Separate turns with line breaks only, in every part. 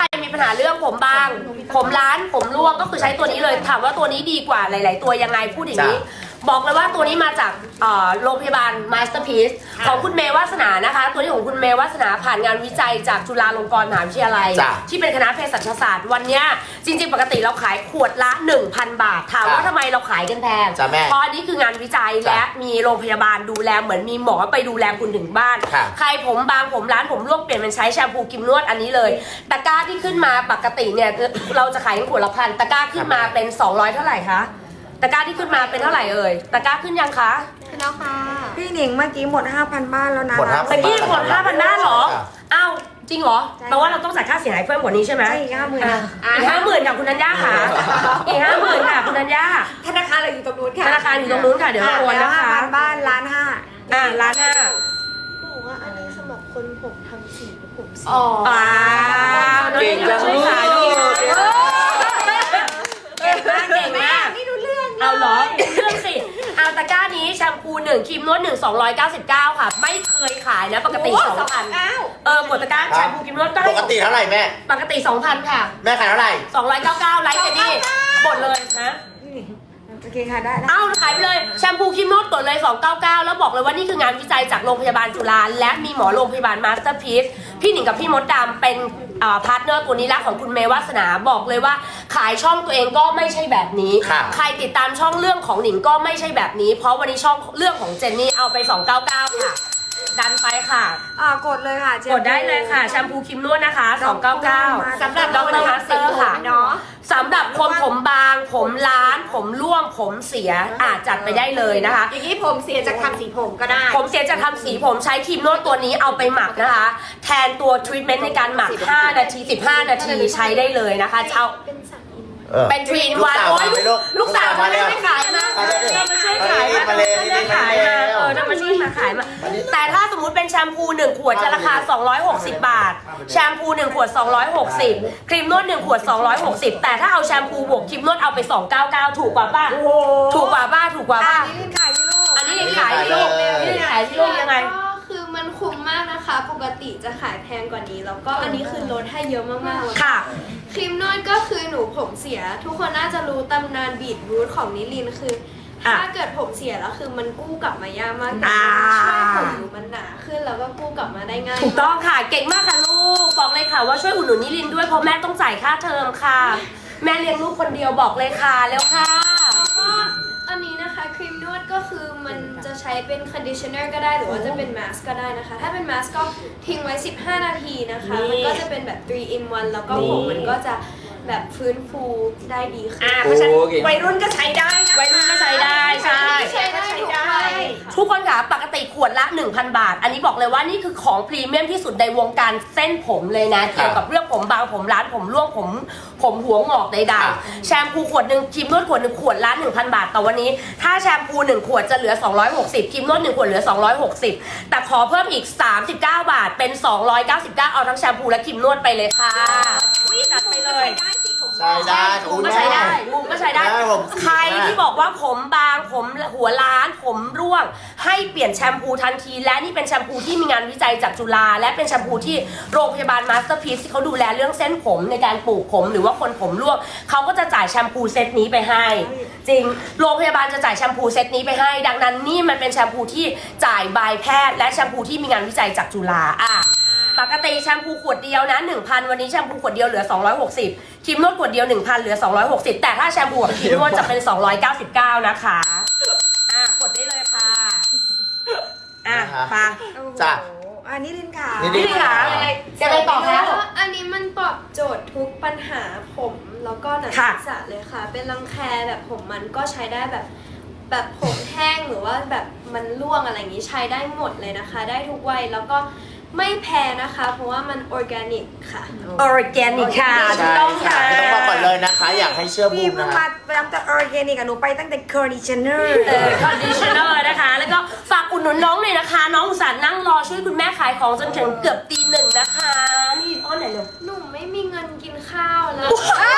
มีปัญหาเรื่องผมบางผมล้านผมร่วงก็คือใช้ตัวนี้เลยถามว่าตัวนี้ดีกว่าหลายๆตัวยังไงพูดอย่างนี้บอกเลยว่าตัวนี้มาจากโรงพยาบาล Masterpiece ของคุณเมย์วาสนานะคะตัวนี้ของคุณเมย์วาสนาผ่านงานวิจัยจากจุฬาลงกรณ์มหาวิทยาลัยที่เป็นคณะเภสัชศาสตร์วันนี้จริงๆปกติเราขายขวดละ 1,000 บาทถามว่าทำไมเราขายกันแพงเพราะอันนี้คืองานวิจัยและมีโรงพยาบาลดูแลเหมือนมีหมอไปดูแลคุณถึงบ้านใครผมบางผมล้านผมร่วงเปลี่ยนเป็นใช้แชมพูกิมนวดอันนี้เลยตะกร้าที่ขึ้นมาปกติเนี่ยเราจะขายขวดละ1,000ตะกร้าขึ้นมาเป็น200เท่าไหร่คะตะกร้าที่ขึ้นมาเป็นเท่าไหร่เอ่ยตะกร้าขึ้นยังคะ
ขึ้นแล้วค่ะ
พี่หนิงเมื่อกี้หมด 5,000 บ้านแล้วนะ
ตะกี้หมด 5,000 บ้านเหรออ้าวจริงเหรอแปลว่าเราต้องจ่ายค่าเสียหายเพิ่มกว่านี้ใช่ไหม
อีก 50,000
อีก 50,000ค่ะคุณนัญญาค่ะอีก 50,000ค่ะคุณนัญญา
ธนาคารเราอยู่ตรงนู้นค่ะ
ธนาคารอยู่ตรงนู้นค่ะเดี๋ยวเราโอนนะคะ
5,000 บ้าน1,500,000
1,500,000
บอกว่าอันนี้สำหรับคนผมทำสีผมสี
เก่งจังเลยเก่งมาก
นี่รู้เรื่อง
เอาเหรอเรื่องสิเอาตะกร้านี้แชมพู1ครีมนวด1 299ค่ะไม่เคยขายนะปกติ 2,000กดตะกร้าแชมพูครีมนวดก็
ปกติเท่าไหร่แม่
ปกติ 2,000 ค่ะ
แม่ขายเท่าไหร่
299ไลฟ์เจนี่หมดเลยนะ
โอเคค่ะได้
เอาขายไปเลยแชมพูครีมนวดกดเลย299แล้วบอกเลยว่านี่คืองานวิจัยจากโรงพยาบาลจุฬาและมีหมอโรงพยาบาลมาสเตอร์พีซพี่หนิงกับพี่มดดำเป็นพาร์ทเนอร์ตัวนี้ละของคุณเมย์วาสนาบอกเลยว่าขายช่องตัวเองก็ไม่ใช่แบบนี้ใครติดตามช่องเรื่องของหนิงก็ไม่ใช่แบบนี้เพราะวันนี้ช่องเรื่องของเจนนี่เอาไป299ค่ะดันไปค่ะ
กดเลยค่ะ
กดได้เลยค่ะแชมพูครีมนวดนะคะ299สำหรับดรมาสเตอร์ค่ะ
เนาะ
สำหรับคนผมบางผมล้านผมร่วงผมเสียจัดไปได้เลยนะคะ
อย่างนี้ผมเสียจากทำสีผมก็ได้
ผมเสียจากทำสีผมใช้ครีมนวดตัวนี้เอาไปหมักนะคะแทนตัวทรีทเมนต์ในการหมัก5 นาที15 นาทีใช้ได้เลยนะคะเอาเป็นทรีนวันลูกสาวมาเลยไม่ขายนะเรามาช่วยขายมาเรามาช่วยขายมาเรามาช่วยมาขายมาแต่ถ้าสมมุติเป็นแชมพู1 ขวดจะราคา260 บาทแชมพู1 ขวด260ครีมนวด1 ขวด260แต่ถ้าเอาแชมพูบวกครีมนวดเอาไป299ถูกกว่าป่ะถูกกว่าป่ะถูกกว่าป่ะอันนี้ขายที่ลูกนี่ขายที่ลูกยังไง
คือมันคุ้มมากนะคะปกติจะขายแพงกว่านี้แล้วก็อันนี้คือลดให้เยอะมากๆเลย
ค่ะ
ครีมนวดก็คือหนูผมเสียทุกคนน่าจะรู้ตำนานบีทรูทของนิลินคือถ้าเกิดผมเสียแล้วคือมันกู้กลับมายากมากแต่ช่วยผมหนูมันหนาขึ้นแล้วก็กู้กลับมาได้ง่าย
ถูกต้องค่ะเก่งมากค่ะลูกบอกเลยค่ะว่าช่วยอุดหนุนนิลินด้วยเพราะแม่ต้องจ่ายค่าเทอมค่ะแม่เลี้ยงลูกคนเดียวบอกเลยค่ะแล้วค่ะ
แล้วก็อันนี้นะคะครีมนวดก็คือมันจะใช้เป็นคอนดิชเนอร์ก็ได้หรือว่าจะเป็นมาสก์ก็ได้นะคะถ้าเป็นมาสก์ก็ทิ้งไว้15 นาทีนะคะมันก็จะเป็นแบบ3 in 1แล้วก็ผมมันก็จะแบบฟื้นฟูได้ดีขึ้น
เพราะฉะนั้นวัยรุ่นก็ใช้ได้วัยรุ่นก็ใช้ได้ใช่ทุกคนค่ะปกติขวดละ 1,000 บาทอันนี้บอกเลยว่านี่คือของพรีเมียมที่สุดในวงการเส้นผมเลยนะเกี่ยวกับเรื่องผมบางผมล้านผมร่วงผมหัวงอกใดๆแชมพูขวดหนึ่งครีมนวดขวดหนึ่งขวดละ 1,000 บาทแต่วันนี้ถ้าแชมพู1 ขวดจะเหลือ260ครีมนวด1 ขวดเหลือ260แต่ขอเพิ่มอีก39 บาทเป็น299เอาทั้งแชมพูและครีมนวดไปเลยค่ะจัดไปเลย
ใช่ได้
มุมก็ใช้ได้มุมก็ใช้ได้ใครที่บอกว่าผมบางผมหัวล้านผมร่วงให้เปลี่ยนแชมพูทันทีและนี่เป็นแชมพูที่มีงานวิจัยจากจุฬาและเป็นแชมพูที่โรงพยาบาลมาสเตอร์พีซที่เขาดูแลเรื่องเส้นผมในการปลูกผมหรือว่าคนผมร่วงเขาก็จะจ่ายแชมพูเซตนี้ไปให้จริงโรงพยาบาลจะจ่ายแชมพูเซตนี้ไปให้ดังนั้นนี่มันเป็นแชมพูที่จ่ายบายแพทย์และแชมพูที่มีงานวิจัยจากจุฬาปกติแชมพูขวดเดียวนะ 1,000 วันนี้แชมพูขวดเดียวเหลือ260ครีมนวดขวดเดียว 1,000 เหลือ260แต่ถ้าแชมพูกับครีมนวดจะเป็น299นะคะกดได้เลยค่ะ
ค่ะจ้ะ
อันนี้ลินค่ะ
นี่ค่ะจะไปต่อคะ
อันนี้มันตอบโจทย์ทุกปัญหาผมแล้วก็หนังศีรษะเลยค่ะเป็นรังแคแบบผมมันก็ใช้ได้แบบผมแห้งหรือว่าแบบมันร่วงอะไรอย่างนี้ใช้ได้หมดเลยนะคะได้ทุกวัยแล้วก็ไม่แพงนะคะเพราะว่ามันออร์แกนิกค่ะ
ออร์แกนิกค่ะ
ต้องค่ะต้องบอกก่อนเลยนะคะอยากให้เชื่อบูม
นะคะไปทำแต่ออร์แกนิกหนูไปตั้งแต่คอนดิชเนอร์
นะคะแล้วก็ฝากอุดหนุนน้องเลยนะคะน้องอุตส่าห์นั่งรอช่วยคุณแม่ขายของจนถึงเกือบตี 1นะคะนี่อ้อนไหนเลย
หนูไม่มีเงินกินข้าวแล้ว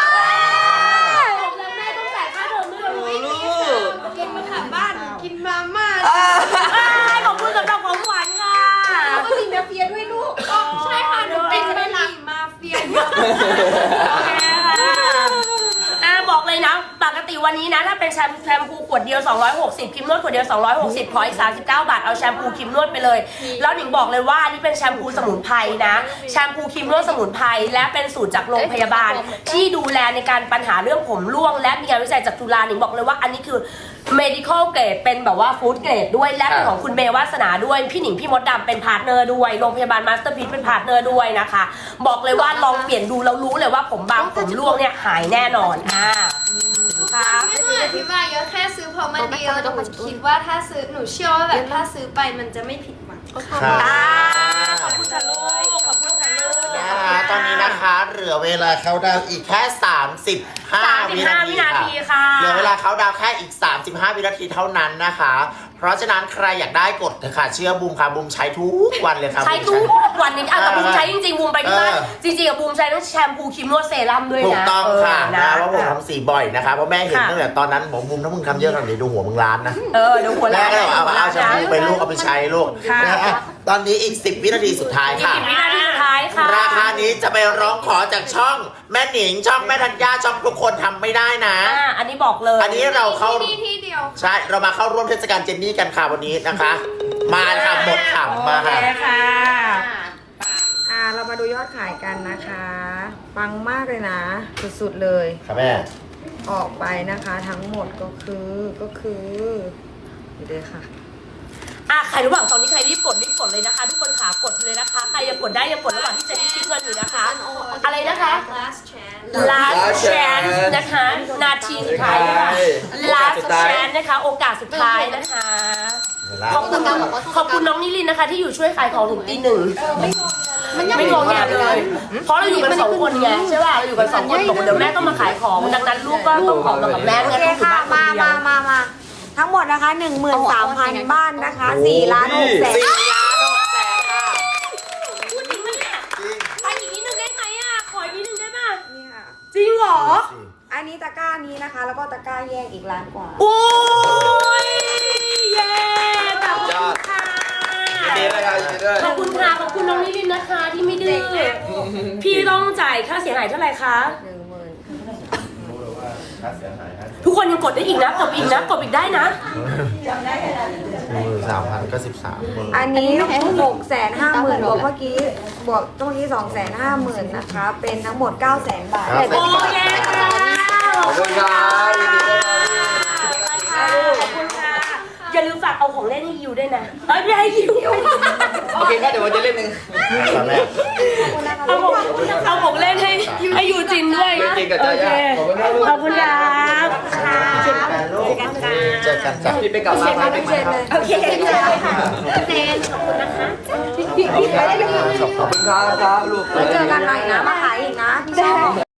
แม่ต้องจ่ายค่าเทอมด้วยไม่มีค่ะกินมาค่ะบ้านกินมาม่า
ขอบคุณสำหรับของหวานค่ะ
แล้วก็มีมาเฟียด้วยลูกใช่ค่ะหนูเป็นมาเฟียเยอะ
โอเคค่ะบอกเลยนะปกติวันนี้นะถ้าเป็นแชมพูขวดเดียว260ครีมนวดขวดเดียว260ขออีก39 บาทเอาแชมพูครีมนวดไปเลยแล้วหนิงบอกเลยว่าอันนี้เป็นแชมพูสมุนไพรนะแชมพูครีมนวดสมุนไพรและเป็นสูตรจากโรงพยาบาลที่ดูแลในการปัญหาเรื่องผมร่วงและมีงานวิจัยจากจุฬาหนิงบอกเลยว่าอันนี้คือ medical grade เป็นแบบว่า food grade ด้วยและเป็นของคุณเมย์วาสนาด้วยพี่หนิงพี่มดดำเป็นพาร์ทเนอร์ด้วยโรงพยาบาลมาสเตอร์พีซเป็นพาร์ทเนอร์ด้วยนะคะบอกเลยว่าลองเปลี่ยนดูแล้วรู้เลยว่าผมบางผมร่วงเนี่ยหายแน่นอนครับ
ไม่ต้องอธิบายเยอะแค่ซื้อเพราะมันดีแล้วหนูคิดว่าถ้าซื้อหนูเชื่อว่าแบบถ้าซื้อไปมันจะไม่ผิดหวัง
ค่ะ
ขอบคุณค่ะลูกขอบคุณค่ะลูก
นะคะตอนนี้นะคะเหลือเวลาเขาดาวน์อีกแค่35 วินาที
ค่ะ
เหลือเวลาเขาดาวน์แค่อีก35 วินาทีเท่านั้นนะคะ เพราะฉะนั้นใครอยากได้กดเถอะค่ะเชื่อบูมค่ะบูมใช้ทุกวันเลยค่ะ
ใช้ทุกวันนี้แต่บูมใช้จริงๆบูมไปที่บ้าน
เออ
จริงๆกับบูมใช้ทั้งแชมพูครีมนวดเซรั่มด้วยนะ
ถูกต้องค่ะ
นะ
นะว่าผมทำสีบ่อยนะคะเพราะแม่เห็น
ค่ะ
ตั้งแต่ตอนนั้นบอกบูมถ้ามึงทำเยอะขนาดนี้ดูหัวมึงล้านนะ
เดี๋ยวหัว
แม่
ล้าน
ก็เลยเอาแชมพูไปลูกเอาไปใช้ลูก
ค่ะ
นะฮะตอนนี้อีก10 วินาทีสุดท้ายค่ะ
10 วินาทีสุดท้ายค่ะ
ราคานี้จะไปร้องขอจากช่องแม่หนิงช่องแม่ธัญญาช่องทุกคนทำไม่ได้นะ
อันนี้บอกเลย
อันนี้เราเข้า
ที่นี่ที่เดียว
ใช่เรามาเข้าร่วมเทศกาลเจนนี่กันค่ะวันนี้นะคะ มาค่ะหมดถังมาค่ะ
โอเคค่ะ
เรามาดูยอดขายกันนะคะ ปังมากเลยนะ สุดๆเลย
ค่ะแม่
ออกไปนะคะทั้งหมดก็คือนี่เลยค่ะ
ใครระหว่างตอนนี้ใครรีบกดเลยนะคะ ทุกคนขากดเลยนะคะ ใครยังกดได้ยังกดระหว่างที่เจนนี่คิดเงินอยู่นะคะ อะไรนะคะ
last chance
last chance นะคะ นาทีสุดท้ายค่ะ last chance นะคะ โอกาสสุดท้ายนะคะ ขอบคุณน้องนิลินนะคะ ที่อยู่ช่วยขายของถึงตี 1ไม่งงแงเลย เพราะเราอยู่กัน2 คนไงใช่ป่ะเราอยู่กัน2 คนบอกว่าเดี๋ยวแม่ต้องมาขายของดังนั้นลูกก็ต้องขอมากับแม่
โอ
งั้น
เค
ต้องอยู่
ค่ะ
บ้านคนเดียว
มาทั้งหมดนะคะ 13,000 บ้านนะคะ4 ล้าน6แสน
4 ล้าน6แสนค่ะ
พูดจริงปะเนี่ย
จริง
ไปอีกนิดนึงได้ไหมขออีกนิดนึงได้ป่ะ
นี่ค่ะ
จริงเหรอ
อันนี้ตะกร้านี้นะคะ แล้วก็ตะกร้าแยกอีกล้านกว่า
โอ้ยเย้ขอบคุณค่ะ
ยินดีด้วยครับยินดีด้วย
ขอบคุณค่ะขอบคุณน้องนิลินนะคะที่ไม่ดื้อพี่ต้องจ่ายค่าเสียหายเท่าไหร่คะ ทุกคนยังกดได้อีกนะกดอีกนะกดอีกได้นะ
13,000ก็13,000
อันนี้650,000บวกเมื่อกี้บวกเมื่อกี้250,000นะคะ เป็นทั้งหมด900,000 บาท
โอเคค่ะ
ขอบคุณครับยินดีด้วยครับ
ขอบคุณค่ะอย่าลืมฝากเอาของเล่นให้ยูด้วยนะไม่ให้ยู
โอเคครับเดี๋ยววันจะเล่นหนึ่ง
ตอนแรก
เอาของเล่นให้ยูจินด้วย
จริงกับ
โอ
จ้า
เค
ขอบคุณครับลูก
ขอบคุณครับ
เจอกันจ้ะ
พี่ไปกลับมาไปใหม่ครับ
โอเคค่ะเจนขอบคุณนะคะ
ขอบคุณครับลูก
แล้วเจอกันใหม่นะ มาขายอีกนะพี่ชอบ